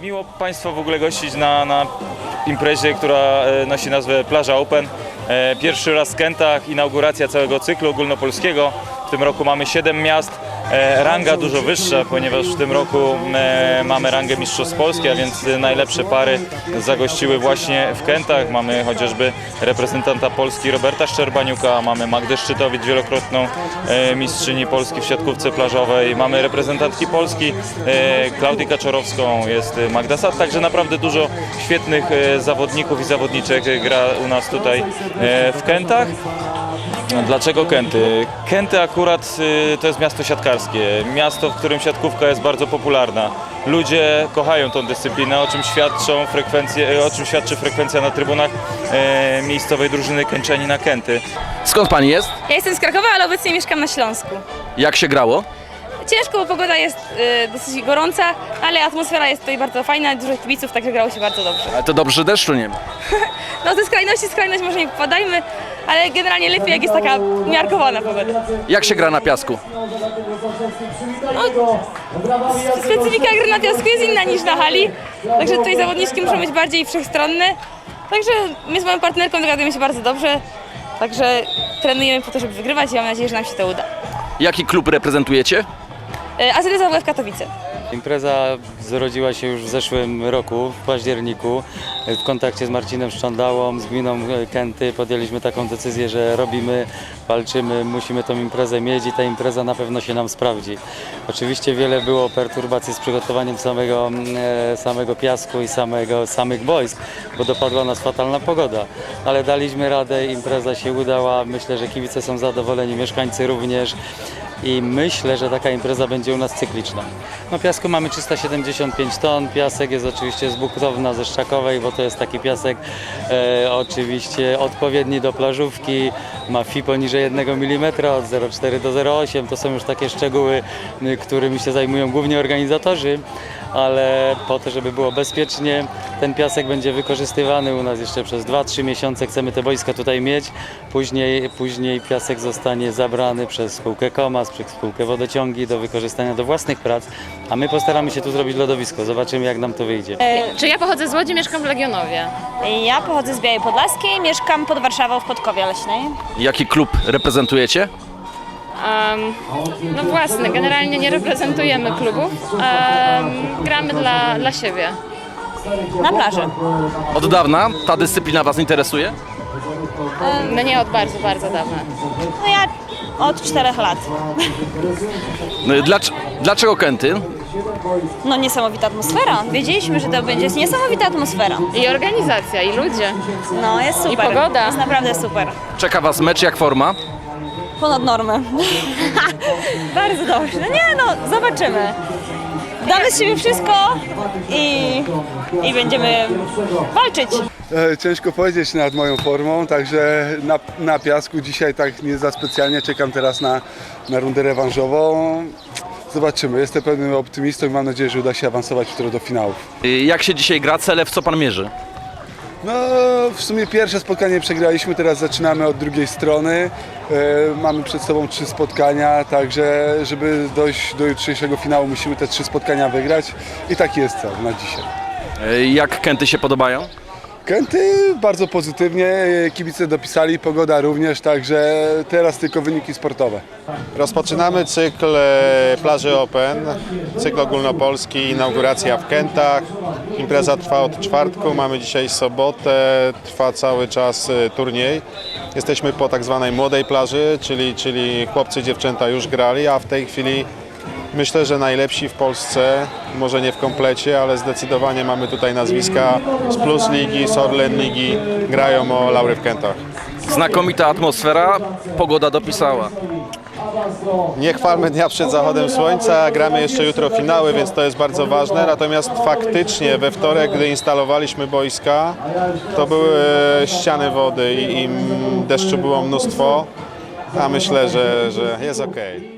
Miło Państwa w ogóle gościć na imprezie, która nosi nazwę Plaża Open. Pierwszy raz w Kętach, inauguracja całego cyklu ogólnopolskiego. W tym roku mamy 7 miast. Ranga dużo wyższa, ponieważ w tym roku mamy rangę Mistrzostw Polski, a więc najlepsze pary zagościły właśnie w Kętach. Mamy chociażby reprezentanta Polski Roberta Szczerbaniuka, mamy Magdę Szczytowicz, wielokrotną mistrzyni Polski w siatkówce plażowej, mamy reprezentantki Polski Klaudię Kaczorowską, jest Magda Sad, także naprawdę dużo świetnych zawodników i zawodniczek gra u nas tutaj w Kętach. Dlaczego Kęty? Kęty akurat to jest miasto siatkarskie, miasto, w którym siatkówka jest bardzo popularna. Ludzie kochają tą dyscyplinę, o czym świadczy frekwencja na trybunach miejscowej drużyny Kęczanina Kęty. Skąd pani jest? Ja jestem z Krakowa, ale obecnie mieszkam na Śląsku. Jak się grało? Ciężko, bo pogoda jest dosyć gorąca, ale atmosfera jest tutaj bardzo fajna, dużo kibiców, także grało się bardzo dobrze. Ale to dobrze, że deszczu nie ma. No ze skrajności w skrajność może nie popadajmy, ale generalnie lepiej jak jest taka umiarkowana pogoda. Jak się gra na piasku? Specyfika gry na piasku jest inna niż na hali, także tutaj zawodniczki muszą być bardziej wszechstronne. Także my z moją partnerką dogadujemy się bardzo dobrze, także trenujemy po to, żeby wygrywać i mam nadzieję, że nam się to uda. Jaki klub reprezentujecie? AZS AWF Katowice. Impreza zrodziła się już w zeszłym roku, w październiku. W kontakcie z Marcinem Szczandałą, z gminą Kęty podjęliśmy taką decyzję, że robimy, walczymy, musimy tą imprezę mieć i ta impreza na pewno się nam sprawdzi. Oczywiście wiele było perturbacji z przygotowaniem samego piasku i samych boisk, bo dopadła nas fatalna pogoda. Ale daliśmy radę, impreza się udała, myślę, że kibice są zadowoleni, mieszkańcy również. I myślę, że taka impreza będzie u nas cykliczna. No piasku mamy 375 ton, piasek jest oczywiście z Bukrowna, ze Szczakowej, bo to jest taki piasek oczywiście odpowiedni do plażówki, ma FI poniżej 1 mm, od 0,4 do 0,8, to są już takie szczegóły, którymi się zajmują głównie organizatorzy, ale po to, żeby było bezpiecznie, ten piasek będzie wykorzystywany u nas jeszcze przez 2-3 miesiące, chcemy te boiska tutaj mieć, później piasek zostanie zabrany przez spółkę KOMAS, przez spółkę Wodociągi do wykorzystania do własnych prac, a my postaramy się tu zrobić lodowisko, zobaczymy jak nam to wyjdzie. Czy ja pochodzę z Łodzi, mieszkam w Legionowie. Ja pochodzę z Białej Podlaskiej, mieszkam pod Warszawą w Podkowie Leśnej. Jaki klub reprezentujecie? No własny, generalnie nie reprezentujemy klubów, gramy dla siebie. Na plaży. Od dawna ta dyscyplina was interesuje? Mnie od bardzo, bardzo dawna. No ja od 4 lat. Dlaczego Kęty? No niesamowita atmosfera. Wiedzieliśmy, że to będzie niesamowita atmosfera. I organizacja, i ludzie. No jest super. I pogoda. Jest naprawdę super. Czeka was mecz, jak forma? Ponad normę. Bardzo dobrze. No nie no, zobaczymy. Damy z siebie wszystko i będziemy walczyć. Ciężko powiedzieć nad moją formą, także na piasku dzisiaj tak nie za specjalnie czekam teraz na rundę rewanżową. Zobaczymy, jestem pewnym optymistą i mam nadzieję, że uda się awansować jutro do finałów. Jak się dzisiaj gra? Cele w co pan mierzy? No w sumie pierwsze spotkanie przegraliśmy, teraz zaczynamy od drugiej strony. Mamy przed sobą 3 spotkania, także żeby dojść do jutrzejszego finału musimy te 3 spotkania wygrać i taki jest cel na dzisiaj. Jak Kęty się podobają? Kęty bardzo pozytywnie, kibice dopisali, pogoda również, także teraz tylko wyniki sportowe. Rozpoczynamy cykl Plaży Open, cykl ogólnopolski, inauguracja w Kętach. Impreza trwa od czwartku, mamy dzisiaj sobotę, trwa cały czas turniej. Jesteśmy po tak zwanej młodej plaży, czyli chłopcy i dziewczęta już grali, a w tej chwili myślę, że najlepsi w Polsce, może nie w komplecie, ale zdecydowanie mamy tutaj nazwiska z Plus Ligi, z Orlen Ligi, grają o laury w Kętach. Znakomita atmosfera, pogoda dopisała. Nie chwalmy dnia przed zachodem słońca, gramy jeszcze jutro finały, więc to jest bardzo ważne. Natomiast faktycznie we wtorek, gdy instalowaliśmy boiska, to były ściany wody i deszczu było mnóstwo, a myślę, że jest okej.